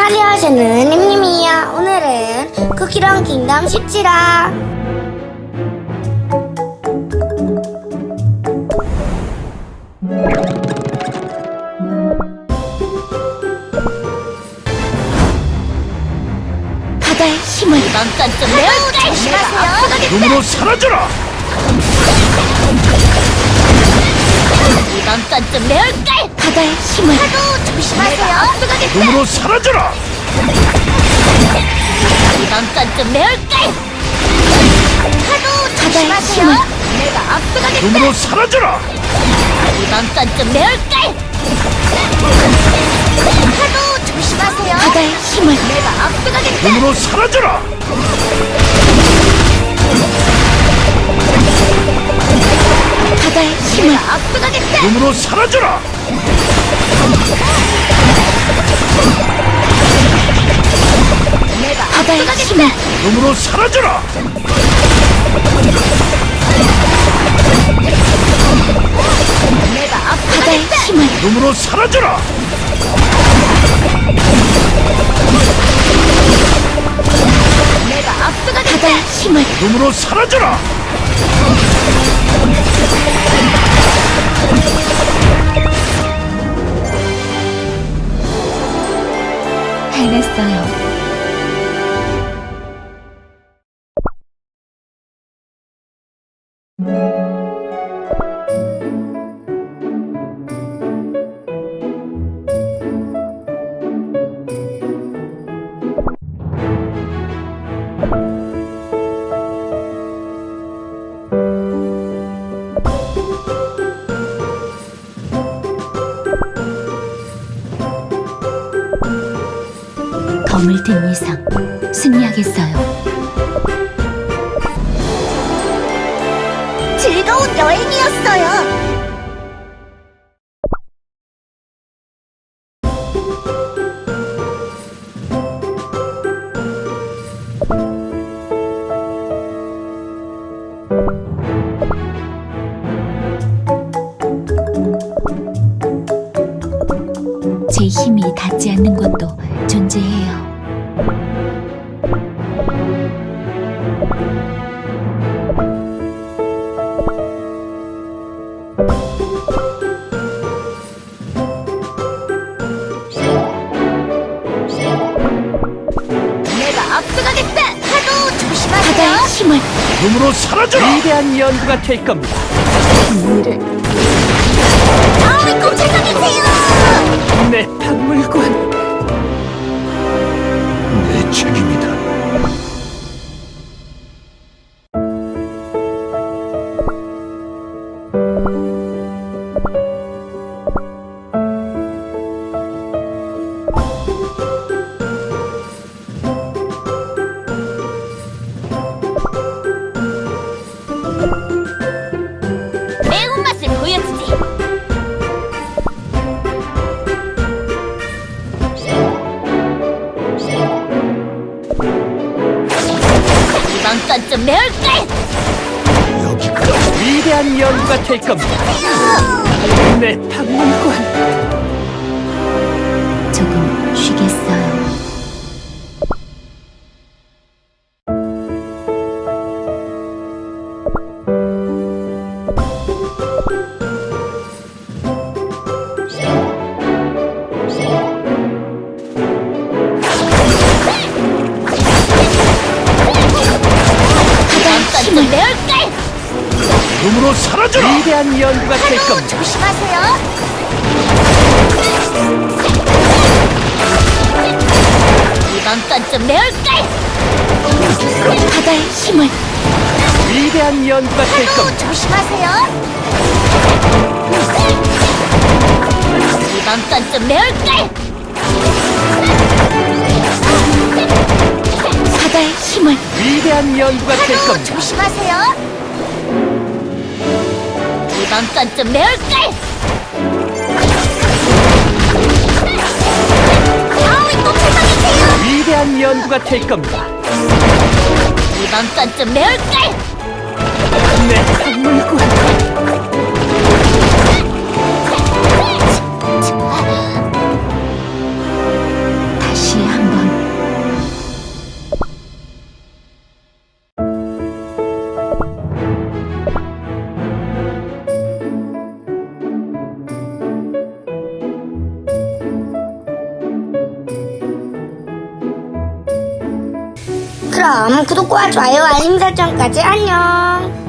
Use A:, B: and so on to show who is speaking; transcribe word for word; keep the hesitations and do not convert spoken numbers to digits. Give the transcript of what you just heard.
A: 안녕하세요, 님님이야. 오늘은 쿠키런 킹덤 십칠화.
B: 바다의 힘을
C: 넌 좀 매울까? 조심하세요.
D: 눈으로 사라져라!
C: 이번 건 좀 매울까?
B: 바다의 힘을
C: 파도 조심하세요. 앞서가겠다.
D: 눈으로 사라져라!
C: 이번 건 좀 매울까? 파도
B: 바다의
C: 조심하세요.
B: 힘을
C: 내가 앞서가겠다.
D: 눈으로 사라져라!
C: 이번 건 좀 매울까? 파도 조심하세요.
B: 바다의 힘을
C: 내가 앞서가겠다.
D: 눈으로 사라져라!
B: 바다의 힘을
C: 내가 앞서가겠다.
D: 눈으로 사라져라!
C: 내가
B: 바다의
C: 앞서가겠다.
B: 힘을
D: 눈으로 사라져라!
C: 내가
B: 바다의
C: 앞서가겠다.
B: 힘을
D: 눈으로 사라져라!
C: 내가 앞서가겠다.
B: 바다의 힘을
D: 눈으로 사라져라!
B: 해냈어요. 검을 든 이상 승리하겠어요.
C: 즐거운 여행이었어요.
B: 제 힘이 닿지 않는 곳도 존재해요.
C: 내가 앞서가겠다. 파도 조심하세요.
B: 바다의 힘을
D: 눈으로 사라져라!
E: 위대한 연구가 될 겁니다.
C: 다음에 꼭 찾아계세요.
E: 내 박물관.
D: 내 책임이다.
C: 매운맛을 보여주지. 이번 건 좀 매울까?
D: 여기까지.
E: 위대한 연구가 될 겁니다. 내 박물관.
B: 조금 쉬겠어요.
C: 이번 건 좀 매울까?
D: 눈으로 사라져라!
E: 위대한 연구가 될
C: 파도
E: 겁니다.
C: 조심하세요. 이번 건 좀 매울까?
B: 바다의 힘을
E: 위대한 연구가 될
C: 파도
E: 겁니다.
C: 조심하세요. 이번 건 좀 매울까?
B: 바다의 힘을
E: 위대한 연구가 될
C: 파도
E: 겁니다.
C: 조심하세요. 이번 건 좀 매울까? 다음에 꼭 찾아계세요.
E: 위대한 연구가 될 겁니다.
C: 이번 건 좀 매울까?
E: 내 박물관.
B: 다시 한
A: 그럼 구독과 좋아요 알림 설정까지 안녕.